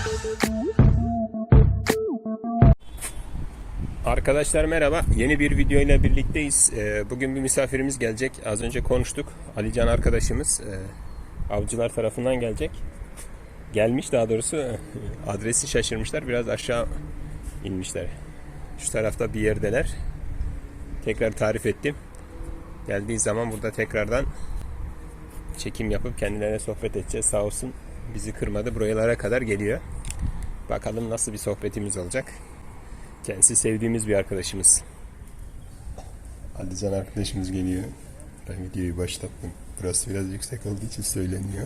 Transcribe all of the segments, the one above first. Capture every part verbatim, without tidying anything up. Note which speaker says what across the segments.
Speaker 1: Arkadaşlar merhaba. Yeni bir video ile birlikteyiz. Bugün bir misafirimiz gelecek. Az önce konuştuk. Alican arkadaşımız avcılar tarafından gelecek. Gelmiş daha doğrusu. Adresi şaşırmışlar. Biraz aşağı inmişler. Şu tarafta bir yerdeler. Tekrar tarif ettim. Geldiği zaman burada tekrardan çekim yapıp kendilerine sohbet edeceğiz. Sağ olsun bizi kırmadı. Buralara kadar geliyor. Bakalım nasıl bir sohbetimiz olacak. Kendisi sevdiğimiz bir arkadaşımız. Alican arkadaşımız geliyor. Ben videoyu başlattım. Burası biraz yüksek olduğu için söyleniyor.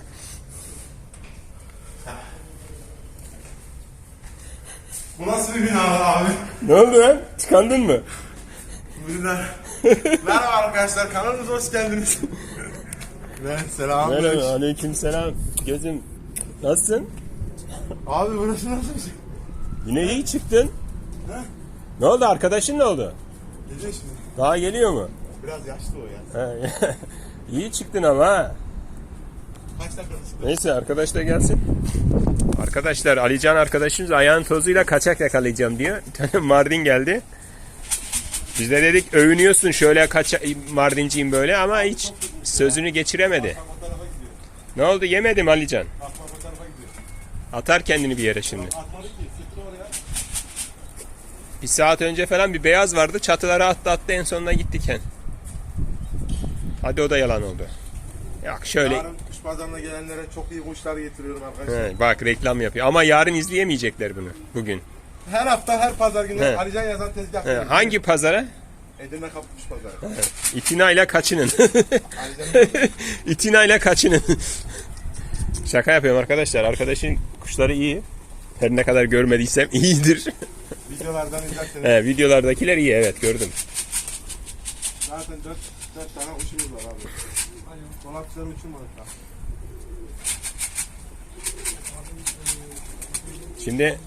Speaker 2: Bu nasıl bir bina abi?
Speaker 1: Ne oldu lan? Tıkandın mı?
Speaker 2: Bina. Merhaba arkadaşlar, kanalımıza hoş geldiniz. Ben selam.
Speaker 1: Merhaba, aleyküm selam. Gözüm, nasılsın?
Speaker 2: Abi burası nasıl bir şey?
Speaker 1: Yine iyi çıktın.
Speaker 2: He?
Speaker 1: Ne oldu? Arkadaşın ne oldu?
Speaker 2: Geliyor şimdi.
Speaker 1: Daha geliyor mu?
Speaker 2: Biraz yaşlı o ya.
Speaker 1: He. İyi çıktın ama ha.
Speaker 2: Kaç dakika çıktı?
Speaker 1: Neyse arkadaş da gelsin. Arkadaşlar Alican arkadaşımız ayağın tozuyla kaçak yakalayacağım diyor. Bir tane Mardin geldi. Biz de dedik övünüyorsun şöyle kaça Mardinciyim böyle ama hiç sözünü geçiremedi. Ne oldu, yemedim Alican. Atar kendini bir yere şimdi. Bir saat önce falan bir beyaz vardı, çatılara attı attı en sonunda gittiken. Hadi o da yalan oldu. Yok şöyle.
Speaker 2: Yarın kuş pazarına gelenlere çok iyi kuşlar getiriyorum arkadaşlar.
Speaker 1: He, bak reklam yapıyor ama yarın izleyemeyecekler bunu bugün.
Speaker 2: Her hafta her pazar günü
Speaker 1: He.
Speaker 2: Alican yazan tezgah.
Speaker 1: He, hangi pazara?
Speaker 2: Edirne Kapı Kuş Pazarı.
Speaker 1: İtinayla kaçının.
Speaker 2: Alican'ın
Speaker 1: İtinayla kaçının. Şaka yapıyorum arkadaşlar. Arkadaşın kuşları iyi. Her ne kadar görmediysem iyidir.
Speaker 2: videolardan izlerseniz.
Speaker 1: He, videolardakiler iyi, evet gördüm.
Speaker 2: Zaten dört, dört tane kuşumuz var abi. Dolapçıları uçurmadık daha.
Speaker 1: Şimdi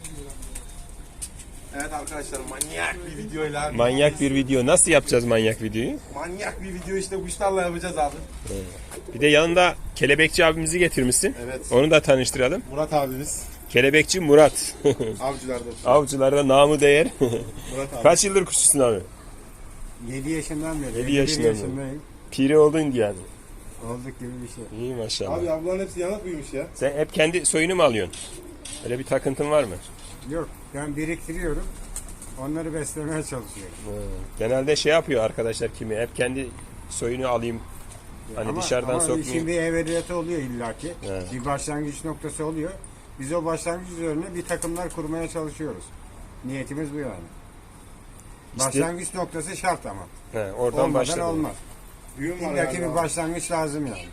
Speaker 2: Evet arkadaşlar, manyak bir videoyla.
Speaker 1: manyak bir video. Nasıl yapacağız manyak videoyu?
Speaker 2: Manyak bir video işte kuşlarla yapacağız abi.
Speaker 1: Bir de yanında kelebekçi abimizi getirmişsin.
Speaker 2: Evet.
Speaker 1: Onu da tanıştıralım.
Speaker 2: Murat abimiz.
Speaker 1: Kelebekçi Murat.
Speaker 2: Avcılarda.
Speaker 1: Avcılarda namı değer.
Speaker 2: Murat abi.
Speaker 1: Kaç yıldır kuşçusun abi?
Speaker 3: yedi yaşından beri.
Speaker 1: Yedi
Speaker 3: elli bir
Speaker 1: yaşından beri.
Speaker 3: yaşındayım.
Speaker 1: Piri oldun yani.
Speaker 3: Olduk gibi bir şey.
Speaker 1: İyi maşallah.
Speaker 2: Abi ablanın hepsi yanık büyümüş ya.
Speaker 1: Sen hep kendi soyunu mu alıyorsun? Öyle bir takıntın var mı?
Speaker 3: Yok, ben biriktiriyorum. Onları beslemeye çalışıyorum.
Speaker 1: Genelde şey yapıyor arkadaşlar kimi. Hep kendi soyunu alayım. Hani
Speaker 3: ama,
Speaker 1: dışarıdan
Speaker 3: ama
Speaker 1: sokmayayım.
Speaker 3: işin bir evveliyatı oluyor illaki.
Speaker 1: Evet.
Speaker 3: Bir başlangıç noktası oluyor. Biz o başlangıç üzerine bir takımlar kurmaya çalışıyoruz. Niyetimiz bu yani.
Speaker 1: İşte-
Speaker 3: Başlangıç noktası şart ama.
Speaker 1: He, oradan
Speaker 3: Olmadan
Speaker 1: başladı.
Speaker 3: olmaz.
Speaker 2: Büyüm var
Speaker 3: İllaki
Speaker 2: yani.
Speaker 3: bir başlangıç lazım yani.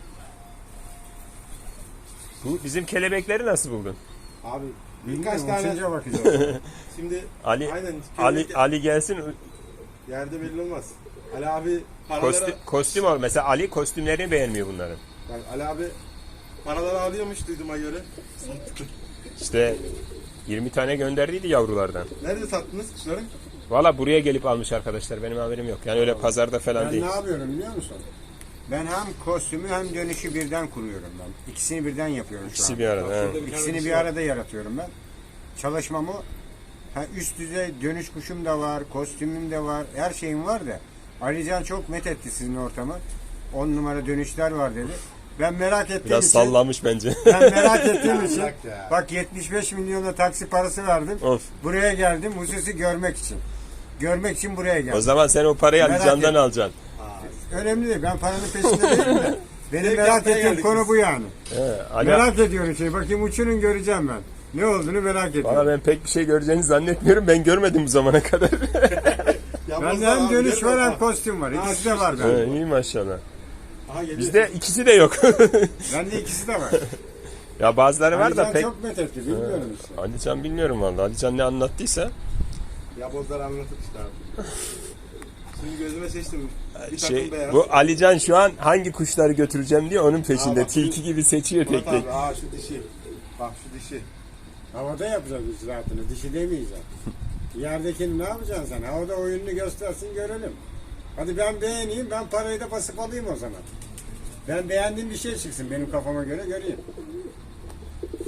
Speaker 1: Bu bizim kelebekleri nasıl buldun?
Speaker 2: Abi birkaç
Speaker 3: Bilmiyorum,
Speaker 2: tane
Speaker 3: uçunca bakacağız.
Speaker 2: şimdi
Speaker 1: Ali
Speaker 2: aynen
Speaker 1: Ali
Speaker 2: kelebek-
Speaker 1: Ali gelsin
Speaker 2: yerde belli olmaz. Ali abi paraları
Speaker 1: kostüm, kostüm al. Mesela Ali kostümlerini beğenmiyor bunların.
Speaker 2: yani Ali abi paraları alıyormuş duyduğuma göre.
Speaker 1: İşte yirmi tane gönderdiydi yavrulardan.
Speaker 2: Nerede sattınız kuşları?
Speaker 1: Valla buraya gelip almış arkadaşlar. Benim haberim yok. Yani öyle pazarda falan
Speaker 3: Ben
Speaker 1: değil.
Speaker 3: ne yapıyorum biliyor musun? Ben hem kostümü hem dönüşü birden kuruyorum ben. İkisini birden yapıyorum şu
Speaker 1: İkisi
Speaker 3: an.
Speaker 1: bir arada. he.
Speaker 3: İkisini bir arada yaratıyorum ben. Çalışmamı ha, üst düzey dönüş kuşum da var, kostümüm de var, her şeyim var da. Alican çok met etti sizin ortamı. on numara dönüşler var dedi. Ben merak ettiğim
Speaker 1: Biraz
Speaker 3: için,
Speaker 1: sallamış bence.
Speaker 3: ben merak ettiğim için
Speaker 2: Bırak ya.
Speaker 3: bak yetmiş beş milyona taksi parası verdim.
Speaker 1: Of.
Speaker 3: Buraya geldim hususi görmek için. Görmek için buraya geldim.
Speaker 1: O zaman sen o parayı
Speaker 3: Merak
Speaker 1: Alican'dan
Speaker 3: ettim.
Speaker 1: alacaksın.
Speaker 3: Önemli değil. Ben paranın peşinde değilim de. Benim
Speaker 2: Direkt
Speaker 3: merak
Speaker 2: yapmaya
Speaker 3: ettiğim
Speaker 2: geldik
Speaker 3: konu
Speaker 2: biz.
Speaker 3: bu yani.
Speaker 1: He, Ali,
Speaker 3: Merak ediyorum şey. Bakayım uçunun göreceğim ben. Ne olduğunu merak ediyorum.
Speaker 1: Valla ben pek bir şey göreceğini zannetmiyorum. Ben görmedim bu zamana kadar.
Speaker 2: Ya
Speaker 3: Bende
Speaker 2: bozlar
Speaker 3: hem
Speaker 2: abi,
Speaker 3: dönüş
Speaker 2: gel
Speaker 3: var hem
Speaker 2: bak.
Speaker 3: kostüm var.
Speaker 2: Ha,
Speaker 3: İkisi de var
Speaker 1: He,
Speaker 3: bende.
Speaker 1: iyi maşallah.
Speaker 2: Aha geliyor.
Speaker 1: Bizde ikisi de yok.
Speaker 3: Bende ikisi de var.
Speaker 1: Ya bazıları var da
Speaker 3: Alican
Speaker 1: pek.
Speaker 3: çok met etti. Bilmiyorum işte.
Speaker 1: Alican bilmiyorum valla. Alican ne anlattıysa.
Speaker 2: Ya bozlar anlatıp işte abi. Şimdi gözüme seçtim. Bir takım
Speaker 1: Şey,
Speaker 2: beyaz.
Speaker 1: bu Alican şu an hangi kuşları götüreceğim diye onun peşinde.
Speaker 2: Aa, bak,
Speaker 1: Tilki gibi seçiyor
Speaker 2: Murat
Speaker 1: tek tek.
Speaker 2: abi, aa şu dişi. Bak şu dişi.
Speaker 3: Havada yapacağız biz rahatını. Dişi demeyeceğim. Yerdekini ne yapacaksın sen? Havada oyununu göstersin görelim. Hadi ben beğeneyim. Ben parayı da basıp alayım o zaman. Ben beğendiğim bir şey çıksın benim kafama göre göreyim.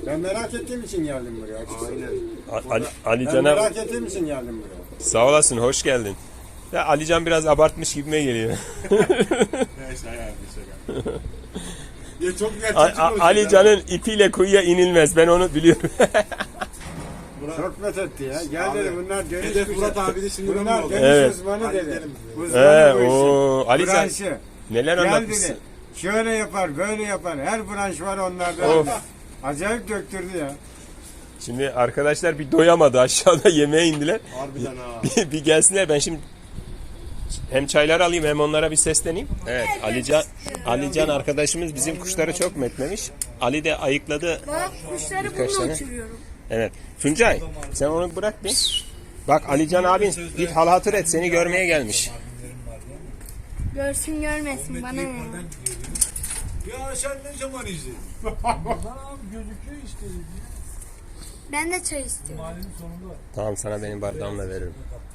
Speaker 3: Ben merak ettiğim için geldim buraya. Aynen.
Speaker 1: A- Ali, Ali
Speaker 3: Ben
Speaker 1: Can'a
Speaker 3: merak ettiğim için geldim buraya.
Speaker 1: sağ olasın, hoş geldin. Ya Alican biraz abartmış gibime geliyor.
Speaker 2: Neyse yani şaka. Ya çok gerçekçi
Speaker 1: A- A-
Speaker 2: konuşuyor
Speaker 1: Ali
Speaker 2: ya.
Speaker 1: Can'ın ipiyle kuyuya inilmez. Ben onu biliyorum.
Speaker 3: Çok methetti ya. Gel
Speaker 2: Abi,
Speaker 3: dedi bunlar dönüş
Speaker 2: hedef
Speaker 3: kuşu.
Speaker 2: Murat abi de şimdi
Speaker 3: Bunlar
Speaker 2: oldu.
Speaker 3: dönüş
Speaker 1: Evet.
Speaker 3: uzmanı
Speaker 2: Hadi
Speaker 3: dedi.
Speaker 2: gidelim.
Speaker 3: Uzmanı
Speaker 1: Ee,
Speaker 3: bu işin.
Speaker 1: o Ali Can
Speaker 3: Branşı.
Speaker 1: neler
Speaker 3: Gel
Speaker 1: anlatmışsın.
Speaker 3: dedi. Şöyle yapar, böyle yapar. Her branş var onlarda.
Speaker 1: Of.
Speaker 3: Acayip döktürdü ya.
Speaker 1: Şimdi arkadaşlar bir doyamadı, aşağıda yemeğe indiler.
Speaker 2: Harbiden ha.
Speaker 1: bir, bir gelsinler, ben şimdi hem çaylar alayım hem onlara bir sesleneyim. Evet, Alican Alican arkadaşımız bizim kuşları çok metlemiş. Ali de ayıkladı.
Speaker 4: Bak kuşları
Speaker 1: Birkaç
Speaker 4: bununla
Speaker 1: tane.
Speaker 4: uçuruyorum.
Speaker 1: Evet. Tuncay sen onu bırak bir. Bak Alican abin bir hal hatır et, seni görmeye gelmiş.
Speaker 4: Görsün görmesin bana ne.
Speaker 5: Ya sen ne zaman izledin? Lan abi gözüküyor işte.
Speaker 4: Ben de çay istiyorum.
Speaker 5: Mahallenin sonunda.
Speaker 1: Tamam, sana benim bardağımla veririm.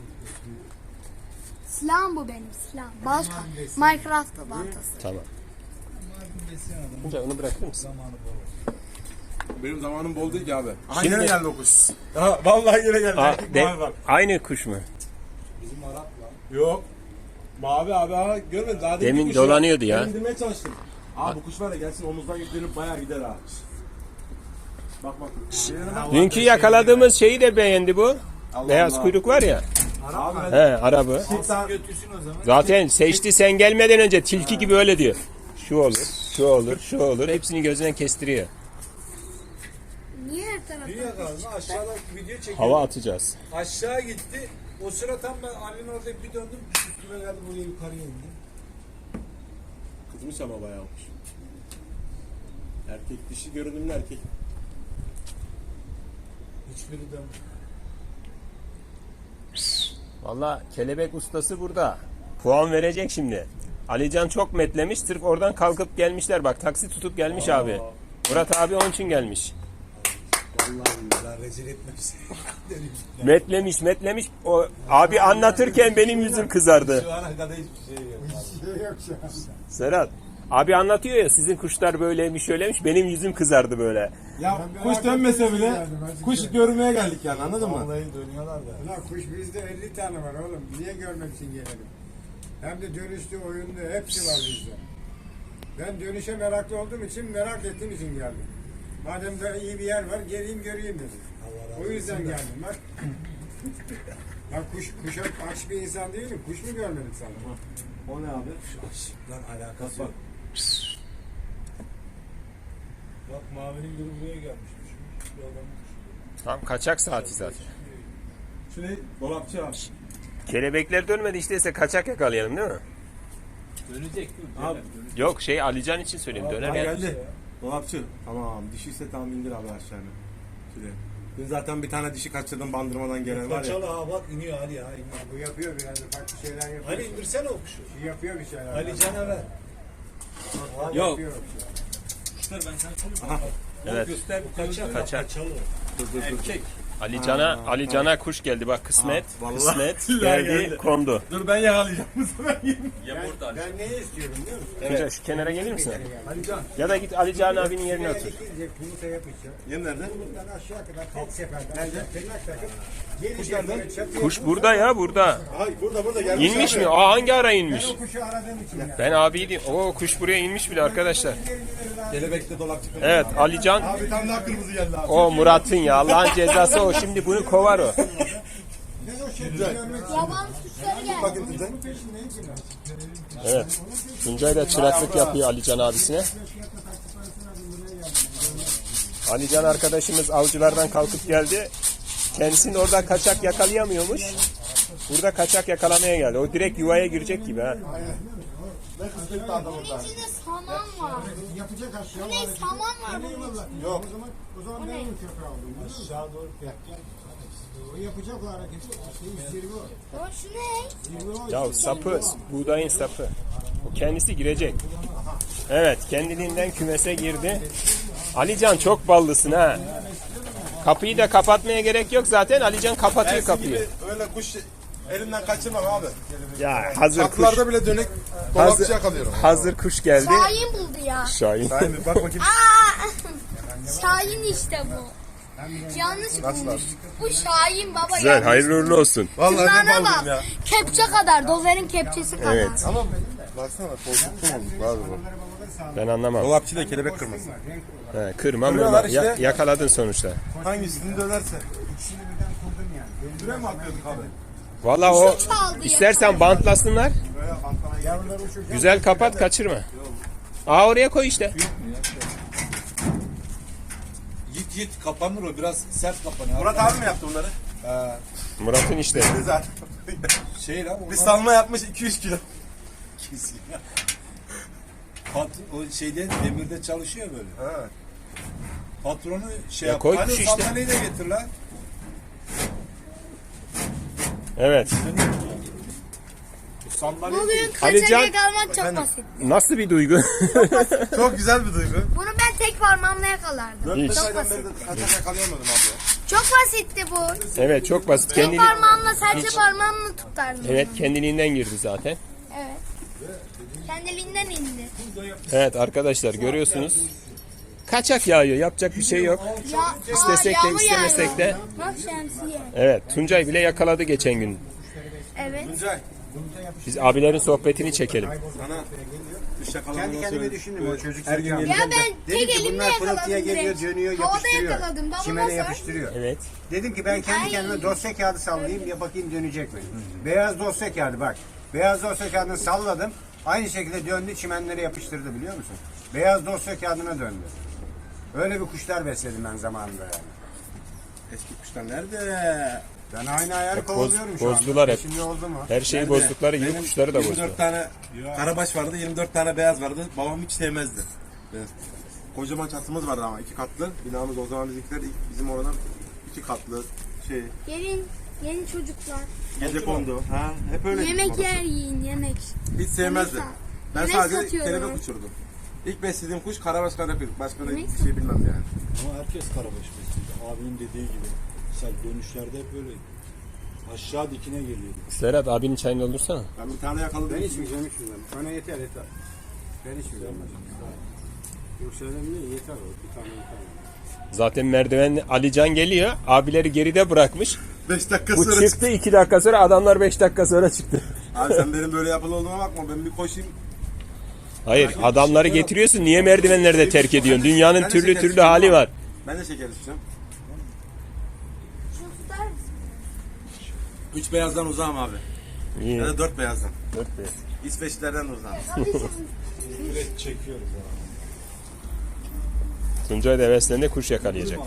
Speaker 4: Silahım bu benim silahım. Balta. Minecraft baltası.
Speaker 1: Tamam.
Speaker 5: Mardin besleyen adam
Speaker 1: Tuncay onu bırakır mısın?
Speaker 5: zamanı bol.
Speaker 2: Benim zamanım bol değil ki abi. Aha
Speaker 1: Şimdi-
Speaker 2: yine geldi o kuş. Ha, vallahi yine geldi.
Speaker 1: Aa,
Speaker 2: Erkek
Speaker 1: de-
Speaker 2: mavi bak.
Speaker 1: aynı kuş mu?
Speaker 5: Bizim Arap lan.
Speaker 2: Yok. Mavi abi ha görmedin. Daha
Speaker 1: Demin
Speaker 2: bir kuş
Speaker 1: dolanıyordu ya.
Speaker 2: Ben indirmeye çalıştım. Abi bu kuş var ya gelsin omuzdan yüklenip bayağı gider ha. Bak bak.
Speaker 1: Dünkü yakaladığımız şeyi de beğendi bu.
Speaker 2: Allah
Speaker 1: Beyaz
Speaker 2: Allah.
Speaker 1: kuyruk var ya.
Speaker 2: Abi
Speaker 1: He, arabı.
Speaker 2: ben
Speaker 5: Götürsün o zaman.
Speaker 1: Zaten seçti, sen gelmeden önce tilki gibi öyle diyor. Şu olur, şu olur, şu olur. Hepsini gözünden kestiriyor.
Speaker 4: Niye her taraftan?
Speaker 5: Dünya kaldı. Aşağıda video çekiyor.
Speaker 1: Hava atacağız.
Speaker 5: Aşağı gitti. O sıra tam ben Ali'nin orada bir döndüm. Üstüme geldi buraya yukarıya indi.
Speaker 2: kızmış ama bayağı olmuş. Erkek dişi görünümlü erkek.
Speaker 5: Hiçbiri de
Speaker 1: Valla kelebek ustası burada. Puan verecek şimdi. Alican çok metlemiş. Sırf oradan kalkıp gelmişler. Bak taksi tutup gelmiş abi. Murat abi onun için gelmiş.
Speaker 5: Vallahi billahi rezil etmesin.
Speaker 1: Metlemiş metlemiş. O abi anlatırken benim yüzüm kızardı.
Speaker 5: Şu ana kadar hiçbir şey yok.
Speaker 3: Şey yok şu an.
Speaker 1: Serhat abi anlatıyor ya, sizin kuşlar böyleymiş şöyleymiş. Benim yüzüm kızardı böyle.
Speaker 2: Ya
Speaker 3: Ben
Speaker 2: kuş
Speaker 3: merak
Speaker 2: dönmese
Speaker 3: ettim
Speaker 2: bile
Speaker 3: geldim, azıcık
Speaker 2: kuş
Speaker 3: da.
Speaker 2: görmeye geldik yani anladın mı?
Speaker 5: Vallahi dönüyorlar da.
Speaker 3: Ulan kuş bizde elli tane var oğlum. Niye görmek için gelelim? Hem de dönüşlü, oyunlu hepsi var bizde. Ben dönüşe meraklı olduğum için, merak ettiğim için geldim. Madem de iyi bir yer var, geleyim göreyim dedim. O yüzden geldim bak. Ben kuş, kuşa aç bir insan değilim. Kuş mu görmedim sanırım?
Speaker 2: O ne abi?
Speaker 5: Lan alakası yok. Bak mavinin biri buraya gelmişmiş. Bir adam.
Speaker 1: Tam kaçak saati zaten.
Speaker 2: Şu ne? Dolapçı abi.
Speaker 1: Kelebekler dönmedi işte, ise kaçak yakalayalım değil mi?
Speaker 5: Dönecek dur.
Speaker 2: Abi.
Speaker 1: Yok şey Alican için söyleyeyim, döner
Speaker 2: Ha,
Speaker 1: ya.
Speaker 2: geldi. Dolapçı. Tamam. Dişi ise tamam indir abi aşağıya. Şuraya. Dün zaten bir tane dişi kaçırdım bandırmadan gelen var ya.
Speaker 5: Kaçalı ha bak iniyor Ali ya. iniyor.
Speaker 3: Bu yapıyor biraz da farklı şeyler yapıyor.
Speaker 5: Ali indirsene o kuşu.
Speaker 3: Bir yapıyor bir şeyler.
Speaker 5: Ali Can'a ver.
Speaker 3: Abi
Speaker 1: Yok.
Speaker 3: yapıyor bir şeyler.
Speaker 5: Kuşlar ben sana söyleyeyim.
Speaker 1: Evet.
Speaker 5: Göster bu kaçalı.
Speaker 1: Kaçak.
Speaker 5: Kaçalı.
Speaker 2: Dur dur dur.
Speaker 5: Erkek.
Speaker 1: Ali Can'a Ali Can'a kuş geldi bak, kısmet.
Speaker 2: Aa, vallahi
Speaker 1: kısmet
Speaker 2: billahi
Speaker 1: geldi,
Speaker 2: geldi.
Speaker 1: kondu.
Speaker 2: Dur ben yakalayacağım bu sefer.
Speaker 3: Ben, ben neyi istiyorum biliyor musun?
Speaker 1: Tuncay şu kenara gelir misin?
Speaker 2: Ali Can.
Speaker 1: Ya da git Ali Can abinin yerine
Speaker 3: Buraya
Speaker 1: otur.
Speaker 3: dikince yumurta yapacağım.
Speaker 2: Yem nerede?
Speaker 3: Buradan aşağı kadar tek seferde. Tırnak takıp
Speaker 2: Kuş
Speaker 3: gelecek
Speaker 2: nerede?
Speaker 3: böyle çatıya.
Speaker 1: Kuş burada ya, burada.
Speaker 2: Ay burada burada gelmiş
Speaker 1: İnmiş
Speaker 2: abi.
Speaker 1: mi? Aa, hangi ara
Speaker 3: Ben
Speaker 1: inmiş?
Speaker 3: o kuşu aradığım için ya.
Speaker 1: Ben abiydim. Oo, kuş buraya inmiş bile arkadaşlar.
Speaker 2: Kelebekte dolapçı.
Speaker 1: Evet, Ali Can.
Speaker 2: Abi bir tane daha kırmızı geldi abi.
Speaker 1: O Murat'ın ya. Allah'ın cezası o. Şimdi bunu kovar o.
Speaker 3: Ben o şekilde görmek için.
Speaker 4: Yaban kuşları geldi.
Speaker 2: Bakın güzel.
Speaker 3: Bunun peşindeyim ki ben.
Speaker 1: Evet. Tuncay da çıraklık yapıyor Ali Can abisine. Ali Can arkadaşımız avcılardan kalkıp geldi. Kendisini orada kaçak yakalayamıyormuş. Burada kaçak yakalamaya geldi. O direkt yuvaya girecek gibi ha.
Speaker 2: Ne kısmetli adam orada.
Speaker 4: İçinde saman var.
Speaker 3: Yapacak aşağı.
Speaker 4: Bu ne, saman var bunun içinde.
Speaker 3: Yok. O zaman, o zaman ben onu köpeğe aldım. Aşağı doğru O yapacak o hareketi. Şey, zirve o.
Speaker 4: Ya şu ne?
Speaker 3: Zirve o.
Speaker 1: Ya sapı, buğdayın sapı. O kendisi girecek. Evet, kendiliğinden kümese girdi. Alican çok ballısın ha. Kapıyı da kapatmaya gerek yok zaten. Alican kapatıyor
Speaker 2: Ersin
Speaker 1: kapıyı.
Speaker 2: gibi öyle kuş elimden kaçırmam abi.
Speaker 1: Ya hazır kuş,
Speaker 2: Kapılarda bile dönük dolapçı
Speaker 1: Hazır-
Speaker 2: yakalıyorum.
Speaker 1: hazır kuş geldi.
Speaker 4: Şahin buldu ya.
Speaker 1: Şahin.
Speaker 2: Sahi mi? Bak bakayım.
Speaker 4: Aa! Şahin işte bu. Yanlış bulmuş. Bu Şahin baba.
Speaker 1: Güzel,
Speaker 4: yanlış.
Speaker 1: hayırlı uğurlu olsun.
Speaker 2: Vallahi ne
Speaker 4: Tırnağına
Speaker 2: baldım
Speaker 4: bak.
Speaker 2: ya.
Speaker 4: Kepçe kadar. Dozerin kepçesi kadar.
Speaker 1: Evet.
Speaker 2: Ama baksana korkuttum olduk abi bu.
Speaker 1: Ben anlamam.
Speaker 2: Dolapçı da kelebek kırmasın.
Speaker 1: He, kırma
Speaker 2: Kırıyorlar
Speaker 1: mırma. Ya-
Speaker 2: işte.
Speaker 1: yakaladın sonuçta.
Speaker 2: Hangisini dönerse.
Speaker 3: İkisini birden kurdum yani.
Speaker 2: Süre mi atıyorduk abi?
Speaker 1: Valla o
Speaker 4: Şu çaldı ya.
Speaker 1: istersen bantlasınlar.
Speaker 3: Yavruları uçuracağım.
Speaker 1: Güzel kapat, kaçırma. Aa, oraya koy işte.
Speaker 5: Git git kapanır o biraz sert kapanıyor.
Speaker 2: Murat abi mi yaptı bunları?
Speaker 1: Murat'ın işte.
Speaker 2: Zaten.
Speaker 5: Şey lan
Speaker 2: Bir
Speaker 5: onlar
Speaker 2: salma yapmış iki yüz kilo.
Speaker 5: kesin ya. Pat, o şeyde demirde çalışıyor böyle.
Speaker 2: Ha.
Speaker 5: Patronu şey
Speaker 1: Ya
Speaker 5: yap.
Speaker 1: koy
Speaker 5: Hadi
Speaker 1: kuş işte.
Speaker 5: sandalyeyi de getir lan.
Speaker 1: Evet.
Speaker 5: Sandalye
Speaker 4: Bugün
Speaker 1: Alican-
Speaker 4: kaçacak almak çok basit.
Speaker 1: Nasıl bir duygu?
Speaker 2: Çok güzel bir duygu.
Speaker 4: Bunu ben tek parmağımla yakalardım.
Speaker 2: dört
Speaker 1: Hiç.
Speaker 2: beş
Speaker 4: Çok
Speaker 2: aydan
Speaker 4: basit.
Speaker 2: beri de kaçak yakalayamadım abi ya.
Speaker 4: Çok basitti bu.
Speaker 1: Evet, çok basit.
Speaker 4: Tek
Speaker 1: Kendini...
Speaker 4: parmağımla sadece parmağımla tutardım.
Speaker 1: Evet, kendiliğinden girdi zaten.
Speaker 4: Evet. Kendiliğinden indi.
Speaker 1: Evet arkadaşlar, görüyorsunuz. Kaçak yağıyor. Yapacak bir şey yok.
Speaker 4: Ya,
Speaker 1: İstesek
Speaker 4: aa,
Speaker 1: de
Speaker 4: yağmur
Speaker 1: istemesek
Speaker 4: yağıyor.
Speaker 1: de.
Speaker 4: Bak şemsiye.
Speaker 1: Evet, Tuncay bile yakaladı geçen gün.
Speaker 4: Evet.
Speaker 2: Tuncay
Speaker 1: Biz abilerin sohbetini çekelim.
Speaker 2: sana üç yakalamanı
Speaker 3: Kendi kendime
Speaker 2: söyle.
Speaker 3: düşündüm o çocuk
Speaker 2: Her gün
Speaker 3: zekalı.
Speaker 2: geliyor.
Speaker 4: Ya ben
Speaker 3: Dedim
Speaker 4: tek
Speaker 3: ki
Speaker 4: elimle
Speaker 3: bunlar pırıltıya
Speaker 4: yakaladım
Speaker 3: geliyor,
Speaker 4: direkt.
Speaker 3: dönüyor,
Speaker 4: Havada
Speaker 3: yapıştırıyor.
Speaker 4: yakaladım. Babama
Speaker 3: Çimene
Speaker 4: sor.
Speaker 3: yapıştırıyor.
Speaker 1: Evet.
Speaker 3: Dedim ki ben kendi
Speaker 4: Ay.
Speaker 3: kendime dosya kağıdı sallayayım ya bakayım dönecek mi? Beyaz dosya kağıdı bak. Beyaz dosya kağıdını salladım. Aynı şekilde döndü çimenlere yapıştırdı biliyor musun? Beyaz dosya kağıdına döndü. Öyle bir kuşlar besledim ben zamanında yani.
Speaker 2: Eski kuşlar nerede?
Speaker 3: Ben aynı ayarı
Speaker 1: Boz-
Speaker 3: kovalıyorum şu
Speaker 1: bozdular
Speaker 3: anda.
Speaker 1: hep.
Speaker 3: Şimdi oldu mu?
Speaker 1: Her şeyi
Speaker 2: Nerede?
Speaker 1: bozdukları gibi
Speaker 2: Benim
Speaker 1: kuşları da
Speaker 2: yirmi
Speaker 1: bozdular.
Speaker 2: dört tane karabaş vardı, yirmi dört tane beyaz vardı. Babam hiç sevmezdi. Evet. Kocaman çatımız vardı ama iki katlı. Binamız o zaman bizimkiler ilk- bizim oradan iki katlı şey
Speaker 4: Gelin, yeni çocuklar.
Speaker 2: gece kondu. Ha, hep öyle.
Speaker 4: Yemek yer yiyin, yemek.
Speaker 2: Hiç sevmezdi.
Speaker 4: Yemek
Speaker 2: Ben
Speaker 4: yemek
Speaker 2: sadece
Speaker 4: satıyorlar.
Speaker 2: kelebek uçurdum. İlk beslediğim kuş karabaş karapir. Başka da
Speaker 4: Yemek
Speaker 2: bir şey bilmem yani.
Speaker 5: Ama herkes karabaş besliydi. Abinin dediği gibi. Mesela dönüşlerde hep öyleydi. Aşağı dikine geliyordu.
Speaker 1: Serhat abinin çayını doldursana.
Speaker 2: Ben bir tane yakaladım.
Speaker 3: Ben içmeyeceğim içmeyeceğim. Bana yeter yeter. Ben içmeyeceğim. Yoksa önemli yeter o. Bir tane yeter.
Speaker 1: Zaten merdiven Alican geliyor. Abileri geride bırakmış.
Speaker 2: beş dakika
Speaker 1: Bu
Speaker 2: sonra
Speaker 1: çıktı iki dakika sonra, adamlar beş dakika sonra çıktı.
Speaker 2: Abi sen benim böyle yapılı olduğuma bakma. Ben bir koşayım.
Speaker 1: Hayır, adamları getiriyorsun. Niye merdivenlerde terk ediyorsun? Dünyanın
Speaker 2: Ben de
Speaker 1: türlü
Speaker 2: şeker
Speaker 1: türlü
Speaker 2: içeceğim
Speaker 1: hali
Speaker 2: ama.
Speaker 1: var.
Speaker 2: Ben de şeker içeceğim.
Speaker 4: Şunu tutar mısın?
Speaker 2: Üç beyazdan uzağım abi.
Speaker 1: İyi.
Speaker 2: Ya da dört beyazdan.
Speaker 1: Dört beş.
Speaker 2: İsveçlilerden uzağım.
Speaker 5: Direkt çekiyoruz abi.
Speaker 1: Tuncay da heveslendi, kuş yakalayacak.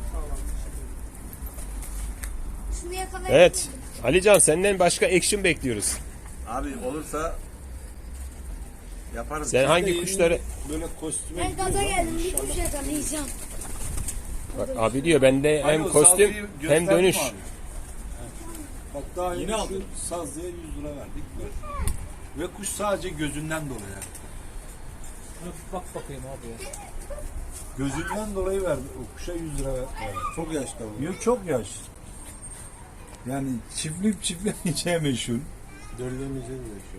Speaker 4: Şunu yakalayın.
Speaker 1: Evet. Alican, senden başka action bekliyoruz.
Speaker 2: Abi olursa yaparız.
Speaker 1: Sen hangi kuşları...
Speaker 5: Böyle kostüme
Speaker 4: Ben gaza geldim, bir kuş yakalayacağım.
Speaker 1: Bak, abi diyor bende hem
Speaker 5: Alo,
Speaker 1: kostüm
Speaker 5: saldırıyı
Speaker 1: hem
Speaker 5: gösterdim
Speaker 1: dönüş.
Speaker 5: abi. Bak daha yine aldım. Sazlıya yüz lira verdik. Ve kuş sadece gözünden dolayı. Yani. Bak bakayım abi ya. Gözünden dolayı verdi. O kuşa yüz lira verdi.
Speaker 2: Çok yaşlı bu.
Speaker 5: Yok çok yaş. Yani çiftlik çiftlemeyeceği meşhur.
Speaker 2: Dördüğümüzde de şu.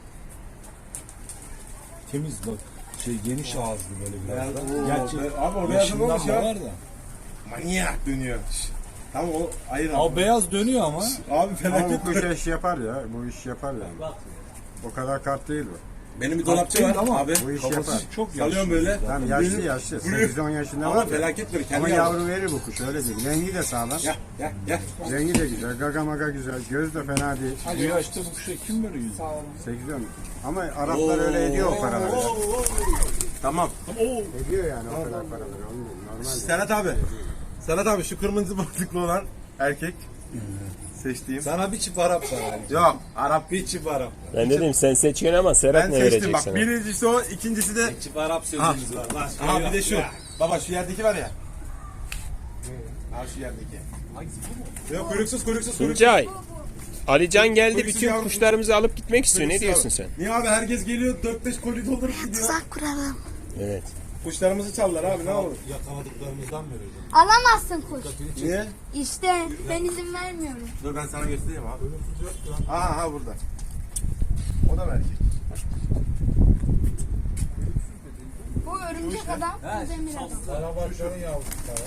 Speaker 5: Temiz bak. Şey geniş ağızlı böyle biraz da.
Speaker 2: Oo,
Speaker 5: Gerçi
Speaker 2: be- abi o beyazın
Speaker 5: yaşından
Speaker 2: olmuş ya.
Speaker 5: da var da.
Speaker 2: Manyak dönüyor. Tamam o ayır abi.
Speaker 5: Abi beyaz dönüyor ama.
Speaker 2: Abi
Speaker 3: Ama bu
Speaker 2: felaket.
Speaker 3: kuş iş yapar ya. Bu iş yapar yani. O kadar kart değil bu.
Speaker 2: Benim bir dolapçı var
Speaker 5: Ama
Speaker 2: abi.
Speaker 3: Bu iş
Speaker 5: Kafası
Speaker 3: yapar.
Speaker 5: çok yaşlı.
Speaker 2: Salıyorum böyle.
Speaker 3: Tamam yaşlı yaşlı. sekiz on yaşında
Speaker 2: Ama
Speaker 3: var ya.
Speaker 2: felaket böyle. Kendi
Speaker 3: Ama
Speaker 2: yavru.
Speaker 3: yavru verir bu kuş öyle değil. Rengi de sağlam.
Speaker 2: Gel gel gel.
Speaker 3: Rengi de güzel. Gaga maga güzel. Göz de fena değil.
Speaker 5: Bu yaşta bu kuşa kim böyle yüz?
Speaker 3: sekiz on. Ama Araplar öyle ediyor o paraları. ya.
Speaker 2: Tamam.
Speaker 3: Ediyor yani o kadar paraları. Onu normal.
Speaker 2: Serhat abi. Serhat abi şu kırmızı boncuklu olan erkek. Seçtiğim.
Speaker 5: Sana bir çift Arap var. Yani.
Speaker 2: Yok Arap.
Speaker 5: Bir çift Arap.
Speaker 1: Ben dedim sen seçiyorsun ama Serhat
Speaker 2: Ben
Speaker 1: ne
Speaker 2: seçtim
Speaker 1: verecek
Speaker 2: bak.
Speaker 1: sana?
Speaker 2: Birincisi o, ikincisi de
Speaker 5: Çift Arap sözümüz var. Lan
Speaker 2: aha bir de şu. Baba şu yerdeki var ya. Ha şu yerdeki. Yok kuyruksuz kuyruksuz kuyruksuz.
Speaker 1: Tuncay. Alican geldi,
Speaker 2: Kuyruksuz
Speaker 1: bütün
Speaker 2: yavrum.
Speaker 1: kuşlarımızı alıp gitmek istiyor. Ne
Speaker 2: Kuyruksuz
Speaker 1: diyorsun
Speaker 2: abi.
Speaker 1: sen?
Speaker 2: Niye abi herkes geliyor dört beş koli doldurup gidiyor.
Speaker 4: Tuzak kuralım.
Speaker 1: Evet.
Speaker 2: Kuşlarımızı çaldılar abi ne olur.
Speaker 5: Yakaladıklarımızdan mı vereceğim?
Speaker 4: Alamazsın kuş.
Speaker 2: Niye?
Speaker 4: İşte ben izin vermiyorum.
Speaker 2: Dur ben sana göstereyim abi. Aha aha burada. O da mı erkek?
Speaker 4: Bu örümcek adam, bu demir adam.
Speaker 5: Karabaşların yavrusu.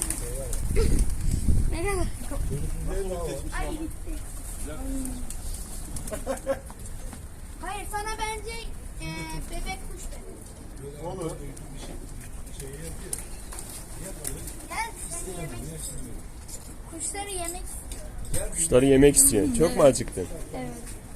Speaker 4: Ne kadar? Ay gitti. Hayır sana bence e, bebek kuş verin.
Speaker 2: Olur.
Speaker 4: Gel seni yemek istiyorum. Kuşları yemek istiyorum.
Speaker 1: Kuşları yemek istiyorsun. Çok mu acıktın?
Speaker 4: Evet.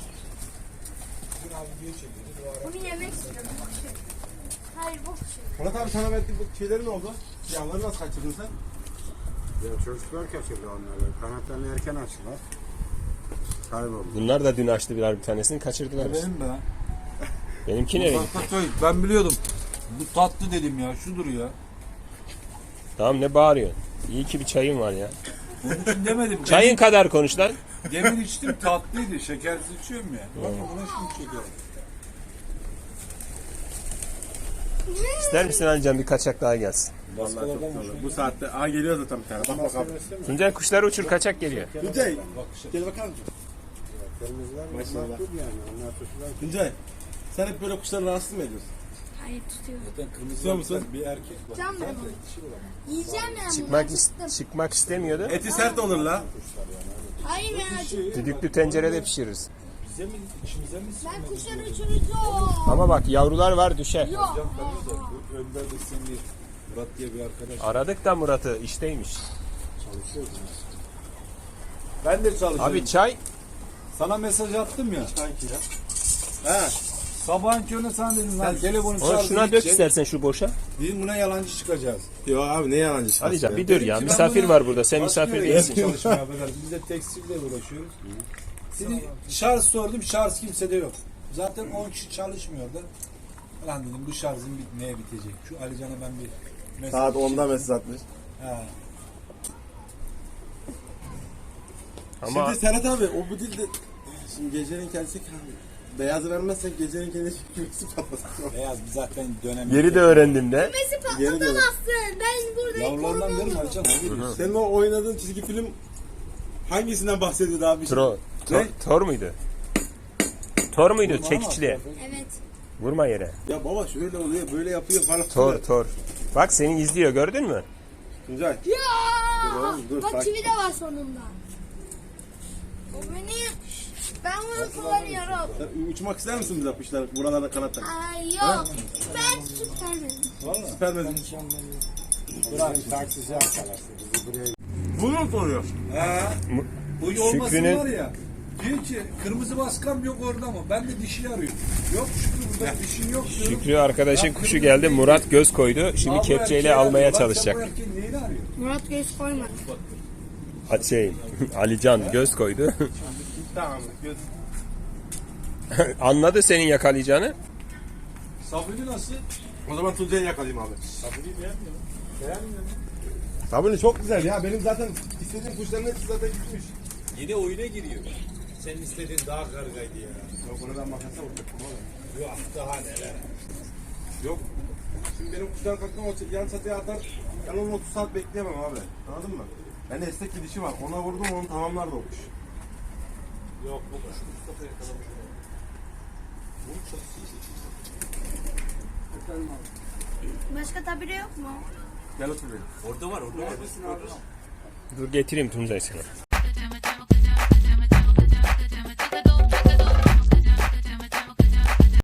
Speaker 4: Bunu yemek istiyorum. bu kuşu. Hayır bu kuşu.
Speaker 2: Murat abi sana verdiğim bu şeyleri ne oldu? Yavruları nasıl kaçırdın sen?
Speaker 3: Ya çocuklar kaçırdı onları. Kanatlarını erken açtılar. Kayboldu.
Speaker 1: Bunlar da dün açtılar bir tanesini kaçırdılar.
Speaker 5: Benim be.
Speaker 1: Benimki nereye gitti?
Speaker 5: Tatlı, ben biliyordum. Bu tatlı dedim ya. Şudur ya.
Speaker 1: Tamam ne bağırıyorsun? İyi ki bir çayın var ya.
Speaker 5: Onun için demedim.
Speaker 1: Çayın kadar konuş lan.
Speaker 5: Demin içtim tatlıydı. Şekersiz içiyorum ya. Bak buna şimdi şeker.
Speaker 1: İster misin Alican bir kaçak daha gelsin?
Speaker 2: Vallahi çok güzel olur. Bu saatte. Aa geliyor zaten bir tane. Bak bakalım.
Speaker 1: Tuncay kuşları uçur kaçak geliyor.
Speaker 2: Tuncay. Gel bakar mısın?
Speaker 3: Kırmızılar
Speaker 2: Maşallah.
Speaker 3: makbul yani. Onlar tutulan.
Speaker 2: Tuncay. Sen hep böyle kuşları rahatsız mı ediyorsun?
Speaker 4: Hayır tutuyorum.
Speaker 5: Zaten kırmızı
Speaker 2: Tutuyor musun?
Speaker 5: bir erkek var.
Speaker 4: Can ben onu. Yiyeceğim ya.
Speaker 1: Çıkmak,
Speaker 4: bunu.
Speaker 1: is- çıkmak istemiyordu.
Speaker 2: Eti sert olur la.
Speaker 4: Hayır ben acıktım.
Speaker 1: Düdüklü tencerede pişiririz.
Speaker 5: Bize mi, içimize mi?
Speaker 4: Ben kuşları uçuracağım.
Speaker 1: Ama bak yavrular var düşer.
Speaker 4: Yok.
Speaker 5: Bu Önder de seni Murat diye bir arkadaş.
Speaker 1: Aradık da Murat'ı işteymiş.
Speaker 5: Ben de çalışıyorum.
Speaker 1: Abi çay
Speaker 5: Sana mesaj attım ya.
Speaker 2: Sanki ya. He.
Speaker 5: Sabahın körüne sana dedim lan telefonu
Speaker 1: onu
Speaker 5: şarjı
Speaker 1: şuna dök
Speaker 5: bitecek.
Speaker 1: istersen şu boşa.
Speaker 5: Dedim buna yalancı çıkacağız.
Speaker 2: Yo abi ne yalancı şahs
Speaker 1: Alican
Speaker 2: ya.
Speaker 1: bir dur ya.
Speaker 5: Dedim ki ben
Speaker 1: Misafir
Speaker 5: buna
Speaker 1: var burada. Sen
Speaker 5: başka
Speaker 1: misafir
Speaker 5: yere
Speaker 1: değilsin.
Speaker 5: çalışmaya bakarız. Biz de tekstille uğraşıyoruz. Şimdi şarj sordum. Şarj kimsede yok. Zaten on kişi çalışmıyordu. Lan dedim bu şarjın bit neye bitecek? Şu Alican'a ben bir mesaj
Speaker 2: Saat onda mesaj atmış.
Speaker 5: Ha.
Speaker 1: Ama
Speaker 2: Şimdi Serhat abi o bu dilde şimdi gecenin kendisi beyazı vermezsek gecenin kendisi kümesi patlasın.
Speaker 5: Beyaz bir zaten dönem.
Speaker 1: yeri de öğrendim de.
Speaker 4: Kümesi
Speaker 2: Geri dön.
Speaker 4: patlatamazsın. Ben buradayım.
Speaker 5: Yavrularından verim
Speaker 4: korumam.
Speaker 5: Alican. Ne diyorsun?
Speaker 2: Senin o oynadığın çizgi film hangisinden bahsediyordu abi?
Speaker 1: Tro, Tor, Tor muydu? Tor muydu? Çekiçli.
Speaker 4: Evet.
Speaker 1: Vurma yere.
Speaker 2: Ya baba şöyle oluyor böyle yapıyor falan.
Speaker 1: Tor, Tor. Bak seni izliyor gördün mü?
Speaker 2: Tuncay.
Speaker 4: Ya!
Speaker 2: Dur oğlum, dur,
Speaker 4: Bak
Speaker 2: sakin.
Speaker 4: çivi de var sonunda. O beni... Ben bunu kullanıyorum.
Speaker 2: Sen uçmak ister misin bize kuşlar? Buralarda kanat tak.
Speaker 4: Ay yok. Ben süpermenim.
Speaker 2: Süper mi?
Speaker 3: Bırak taksici arkadaşlar. Bizi buraya
Speaker 2: Bunu mu soruyor?
Speaker 5: Ha.
Speaker 1: Mu-
Speaker 5: Bu olmasın
Speaker 1: Şükrü'nün-
Speaker 5: var ya. Diyor ki kırmızı baskam yok orada mı? Ben de dişi arıyorum. Yok Şükrü burada dişin yok diyorum.
Speaker 1: Şükrü arkadaşın kuşu geldi. Murat göz koydu. Şimdi
Speaker 5: Al bu
Speaker 1: kepçeyle
Speaker 5: erkeği
Speaker 1: almaya
Speaker 5: arıyor. Bak sen bu
Speaker 1: çalışacak.
Speaker 5: erkeğin neyini arıyor?
Speaker 4: Murat göz koymadı.
Speaker 1: Ha, Şey, Alican göz koydu.
Speaker 2: Tamam. Göz.
Speaker 1: Anladı senin yakalayacağını.
Speaker 5: Sabri nasıl?
Speaker 2: O zaman Tuncay'ı yakalayayım abi.
Speaker 5: Sabri'yi beğenmiyor. Beğenmiyor mu?
Speaker 2: Sabuni çok güzel ya. Benim zaten istediğim kuşların hepsi zaten gitmiş.
Speaker 5: Yine oyuna giriyor. Senin istediğin daha kargaydı ya.
Speaker 2: Yok onu ben makasa vuracaktım oğlum.
Speaker 5: Yok daha neler.
Speaker 2: Yok. Şimdi benim kuşlar kalktım o yan çatıya atar. Ben onu otuz saat bekleyemem abi. Anladın mı? Ben esnek gidişi var. Ona vurdum onu tamamlar da o kuş.
Speaker 5: Yok bu kuş Mustafa yakalamış. Bunun çatısı
Speaker 4: Başka tabire yok mu?
Speaker 2: Gel otur benim.
Speaker 5: orada var orada var.
Speaker 1: Dur getireyim Tuncay sana.